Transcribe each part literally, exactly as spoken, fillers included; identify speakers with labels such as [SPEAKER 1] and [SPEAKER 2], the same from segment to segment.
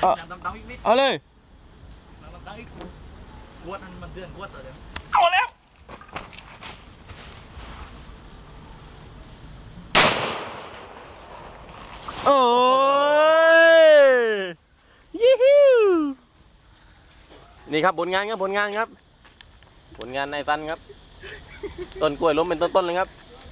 [SPEAKER 1] เอาเอาเลย
[SPEAKER 2] กวดมันเดือนกวดเลย
[SPEAKER 1] เอาแล้วโอ้ยยี่ฮิวนี่ครับผลงานครับผลงานครับผลงานในตันครับต้นกล้วยล้มเป็นต้นๆเลยครับ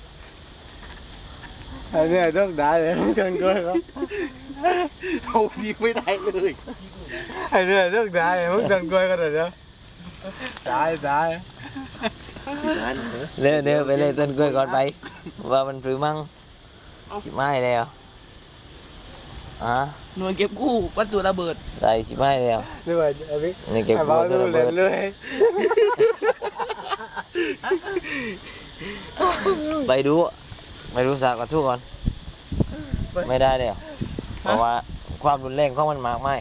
[SPEAKER 1] อันนี้ต้องได้เลยต้นกล้วยครับ
[SPEAKER 2] เอาดีไม่ได้เลย
[SPEAKER 1] อันนี้ต้องได้เลยมึงต้นกล้วยก็ได้เนาะได้ได้
[SPEAKER 3] เร็วเร็วไปเลยต้นกล้วยก่อนไปว่ามันปรือมั่งชิบไม่แล้วอ่ะ
[SPEAKER 4] หน่วยเก็บกู้วัตถุระเบิด
[SPEAKER 3] ไรชิบไม่แล้ว
[SPEAKER 1] นี่ว่าไอ้พี่
[SPEAKER 3] นี่เก็บกู้วัตถุระเบิด
[SPEAKER 1] เลย
[SPEAKER 3] ไปดูไปดูสากกระทู้ก่อนไม่ได้เดี๋ยวเพราะว่าความรุนแรงของมันมากไม่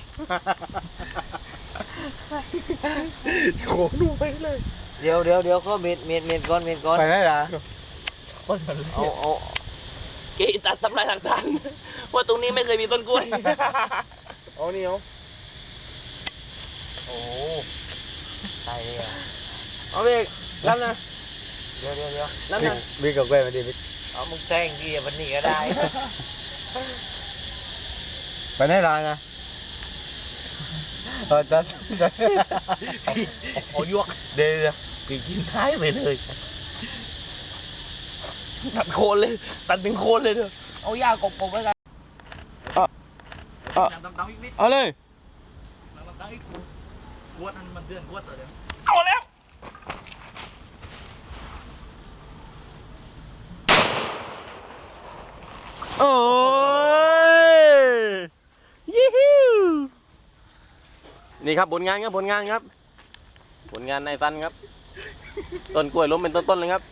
[SPEAKER 1] โขกดูไปเลย
[SPEAKER 3] เดี๋ยวเดี๋ยวเดี๋ยวก็เม็ดเม็ดเม็ดก้อนเม็ดก้อน
[SPEAKER 1] ไปได้หรอ
[SPEAKER 3] เอาเอา
[SPEAKER 4] เกตัดทำลายหลักฐานว่าตรงนี้ไม่เคยมีต้นกล้วย
[SPEAKER 1] เอานี่เอา
[SPEAKER 3] โอ้ตายเลยอ่ะ
[SPEAKER 4] เอาเบรกรับนะ
[SPEAKER 3] เดี๋ยวเดี๋ยวเดี๋ยว
[SPEAKER 4] รับนะ
[SPEAKER 1] บิ๊กกับแกมาดิบิ๊ก
[SPEAKER 3] เอามึงแซงดีวันนี้ก็ได้
[SPEAKER 1] ไปได้ไรนะเออจัด
[SPEAKER 3] เอายวกเดี๋ยวปีกินท้ายไปเลย
[SPEAKER 4] ตัดโคนเลยตัดเป็นโคนเลยเถอะเอาหญ้ากบๆไว้กัน
[SPEAKER 1] เอาเลย
[SPEAKER 2] กวดมันเดือนกวดเลย
[SPEAKER 4] เอาแล้ว
[SPEAKER 1] โอ้ยยี่ฮิวนี่ครับผลงานครับผลงานครับผลงานในตันครับต้นกล้วยล้มเป็นต้นๆเลยครับ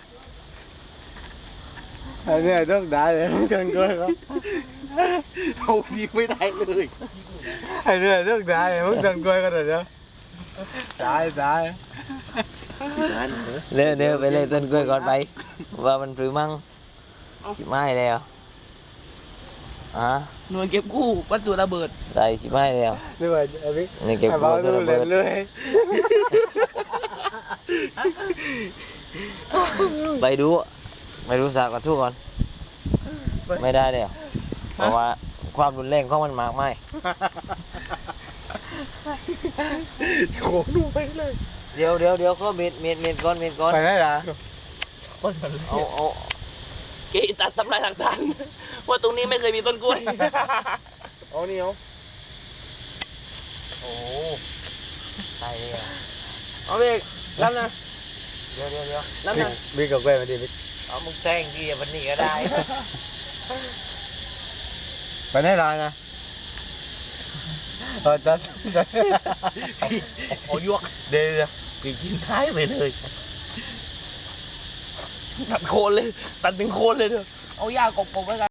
[SPEAKER 1] อันนี้ต้องได้เลยต้นกล้วยครับ
[SPEAKER 2] เอาดีไม่ได้เลย
[SPEAKER 1] อันนี้ต้องได้เลยมึงต้นกล้วยก็ได้เนาะได้ได้
[SPEAKER 3] เร็วเร็วไปเลยต้นกล้วยก่อนไปว่ามันปรือมั่งชิบไม่แล้วอ่ะ
[SPEAKER 4] หน่วยเก็บกู้วัตถุระเบิด
[SPEAKER 3] ไรชิบไม่แล้ว
[SPEAKER 1] นี่ว่าไอ้พี่
[SPEAKER 3] นี่เก็บกู้วัตถุระเบิด
[SPEAKER 1] เลย
[SPEAKER 3] ไปดูไปดูสากกระทู้ก่อนไม่ได้เดี๋ยวเพราะว่าความรุนแรงของมันมากไม่
[SPEAKER 1] โขกดูไปเลย
[SPEAKER 3] เดี๋ยวเดี๋ยวเดี๋ยวก็เม็ดเม็ดเม็ดก้อนเม็ดก้อน
[SPEAKER 1] ไปได้หรอ
[SPEAKER 3] เอาเอา
[SPEAKER 4] เกตัดทำลายหลักฐานว่าตรงนี้ไม่เคยมีต้นกล้วย
[SPEAKER 1] เอานี่เอา
[SPEAKER 3] โอ้ตายเลยอ่ะ
[SPEAKER 4] เอาเบรกรับนะ
[SPEAKER 3] เดี๋ยวเดี๋ยวเดี๋ยว
[SPEAKER 4] รับนะ
[SPEAKER 1] บิ๊กกับแกมาดิบิ๊ก
[SPEAKER 3] เอามึงแซงดีวันนี้ก็ได้
[SPEAKER 1] ไปได้ไรนะเออจัด
[SPEAKER 3] เอายวกเดี๋ยวปีกินท้ายไปเลย
[SPEAKER 4] ตัดโคนเลยตัดเป็นโคนเลยเถอะเอาหญ้ากบๆไว้กัน